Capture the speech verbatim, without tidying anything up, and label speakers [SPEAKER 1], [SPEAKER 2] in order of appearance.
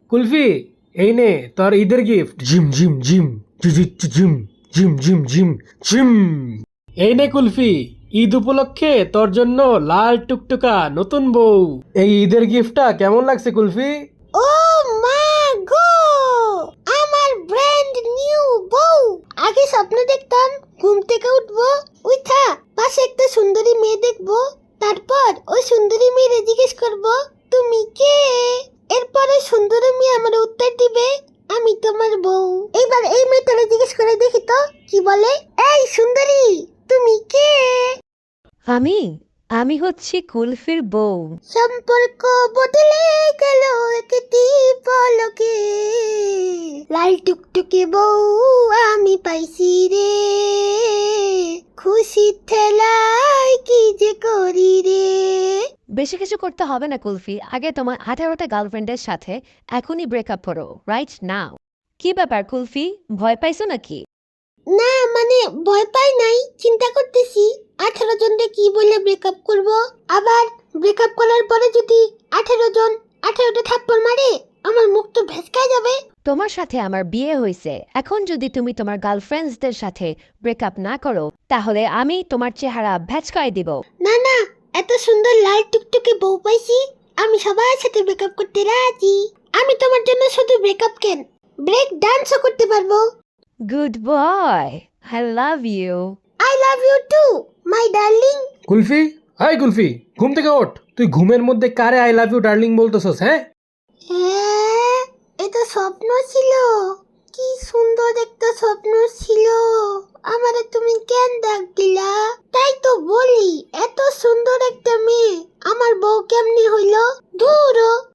[SPEAKER 1] কুলফি, এই নে তোর ঈদের গিফট। জিম জিম জিম জি জি জি, জিম জিম জিম জিম জিম। এই নে কুলফি, ঈদ উপলক্ষে তোর জন্য লাল টুকটুকা নতুন বউ। এই ঈদের গিফটটা কেমন লাগছে কুলফি?
[SPEAKER 2] ও মা গো, আমার ব্র্যান্ড নিউ বউ। আগে স্বপ্ন দেখতাম ঘুম থেকে উঠবো, উঠা পাশে একটা সুন্দরী মেয়ে দেখবো, তারপর ওই সুন্দরী মেয়েরে জিজ্ঞেস করবো তুমি কে। এরপর ওই সুন্দরী মেয়ে আমার উত্তর দিবে আমি তোমার বউ। এইবার এই মেয়েটারে জিজ্ঞেস করে দেখি তো কি বলে। এই সুন্দরী, তুমি কে?
[SPEAKER 3] আমি আমি হচ্ছি কুলফির বউ।
[SPEAKER 2] সম্পর্ক বদলে গেল একটি পলকে, লাল টুকটুকে বউ আমি পাইছি রে, খুশি ঠেলায় কি যে করি রে।
[SPEAKER 3] বেশি কিছু করতে হবে না কুলফি, আগে তোমার আঠারোটা গার্লফ্রেন্ডের সাথে এখনই ব্রেকআপ করো, রাইট নাও। কি ব্যাপার কুলফি, ভয় পাইছো নাকি?
[SPEAKER 2] না মানে ভয় পাই নাই, চিন্তা করতেছি আঠারো জনকে কি বলে ব্রেকআপ করব। আবার ব্রেকআপ করার পরে যদি আঠারো জন আঠারোটা থাপ্পড় মারে আমার মুখ তো ভেসকায় যাবে।
[SPEAKER 3] তোমার সাথে আমার বিয়ে হয়েছে, এখন যদি তুমি তোমার গার্লফ্রেন্ডসদের সাথে ব্রেকআপ না করো তাহলে আমি তোমার চেহারা ভ্যাচকায় দিব।
[SPEAKER 2] না না, এত সুন্দর লাল টুকটুকে বউ পাইছি, আমি সবার সাথে ব্রেকআপ করতে রাজি। আমি তোমার জন্য শুধু ব্রেকআপ কেন, ব্রেক ডান্সও করতে পারবো।
[SPEAKER 3] Good boy, I love you.
[SPEAKER 2] I love you too my darling.
[SPEAKER 1] Kulfi, hi Kulfi, ঘুম থেকে ওঠ। তুই ঘুমের মধ্যে কারে আই লাভ ইউ ডার্লিং বলতেছস? হ্যাঁ,
[SPEAKER 2] হ্যাঁ, এটা স্বপ্ন ছিল, কি সুন্দর একটা স্বপ্ন ছিল। আমারে তুমি কেন ডাক দিলা? তাই তো বলি এত সুন্দর একটা মেয়ে আমার বউ কেমনি হইল? ধুরো।